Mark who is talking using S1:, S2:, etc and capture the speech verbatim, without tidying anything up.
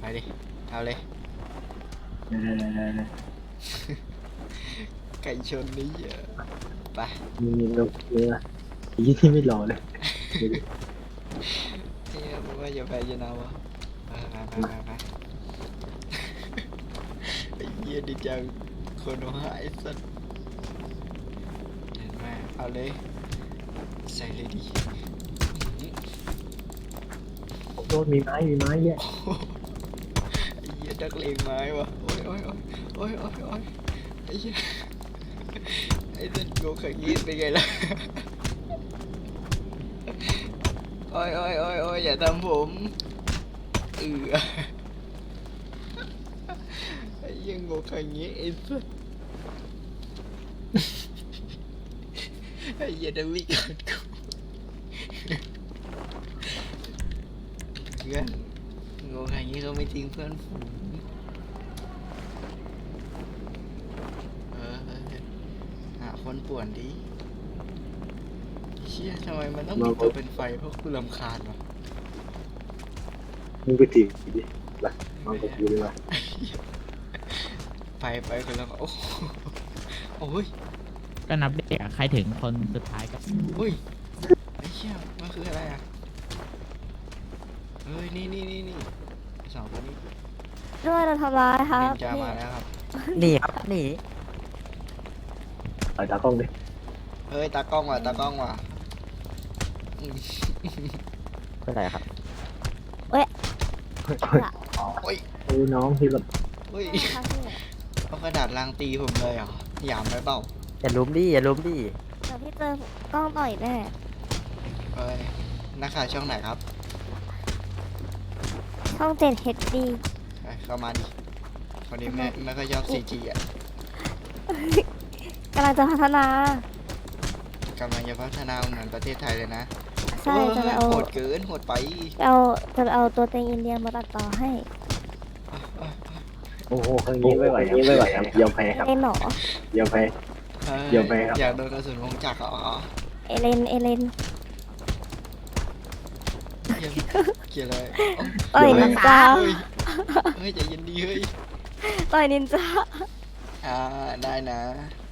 S1: ไปดิเอาเลย
S2: เออ
S1: ไก่ชนนี้เยอะไป
S2: มีนกเนื้อยี่ที่ไม่รอเลย
S1: เฮ้ยว่าอย่าแพ้อย่านาวะไปไปไปไปไปไอ้เหี้ยดิจังคนเอาหายสัตว์เห็นไหมเอาเลยใส่เลยดิ
S2: โดนมีไม้มีไม้แย่
S1: ไอ้เหี้ยดักเลงไม้วะโอ้ยโอ้ยโอ้ยโอ้ยโอ้ยโอ้ยไอ้เหี้ยไอ้เส้นโกขังยีดเป็นไงล่ะโอ้ยโอ้ยโอ้ยโอ้ยอย่าทำผมเออไอ้เหี้ยโกขังยีดไอ้สัสไอ้เหี้ยดังวิ่งกันกูเพื่อนโงขังยีดเขาไม่ทิ้งเพื่อนฝูงเออเออเออหาคนป่วนดิเชี่ยทำไมมันต้องมีตัวเป็นไฟเพราะกูรำคาญวะ
S2: มึงไปถีบดิไปมองกับกูดีกว่า
S1: ไปไปคนละโอ้โหโอ้ย
S3: ก็นับเด็กอะใครถึงคนสุดท้ายก็
S1: อุ้ยไอ้เชี่ยมันคืออะไรอ่ะเฮ้ยนี่นี่นี่นี่สองคนนี้
S4: ด้วยเราทำร้ายครั
S1: นิ
S4: บ
S1: นจามาแล้วครับ
S5: หนีครับหนี
S2: ไปตากล้องดิ
S1: เฮ้ยตากล้องว่ะตากล้องว่ะอืม
S5: เป็นไรครับ
S1: โอ้ย
S2: โอ้น้องที่แบบ
S1: เฮ้ย
S4: ครับพี่
S1: เอากระดาษลางตีผมเลยเหรอหยามไปเปล่า
S5: อย่าล้มดิอย่าล้มดิ
S4: เดี๋ยวพี่เจอกล้องต่อยแน่
S1: เฮ้ยนักข่าวช่องไหนครับ
S4: ช่องเจ็ดเฮดดี
S1: ไปเข้ามาดิคนนี้ไม่ไม่ค่อยชอบซีจีอ่ะ
S4: กำลังจะพัฒนาก
S1: ำลังจะพัฒนาเหมือนประเทศไทยเลยนะ
S4: ใช่
S1: โอ้ย
S4: จะไปเอา
S1: โหดเกินโหดไป
S4: เอาจะไปเอาตัวเต็งอินเดียมาตัดต่อให้
S2: โอ้โหครั้งนี้ไม่ไหวครับไม่ไหวครับยอมแพ้ครับ
S4: เอ็นหนอย
S2: อมแพ้
S1: เฮ้ย
S2: เดี๋ยวไปครับ
S1: อยากโดนกระสุนวงจักรเหรอ
S4: เอเลนเอเลน
S1: เกลียดเกลียดอะไร
S4: ต่อยนินจา
S1: เฮ้ยเฮ้ยใจเย็นดีเฮ้ย
S4: ต่อยนินจา
S1: อ่าได้นะ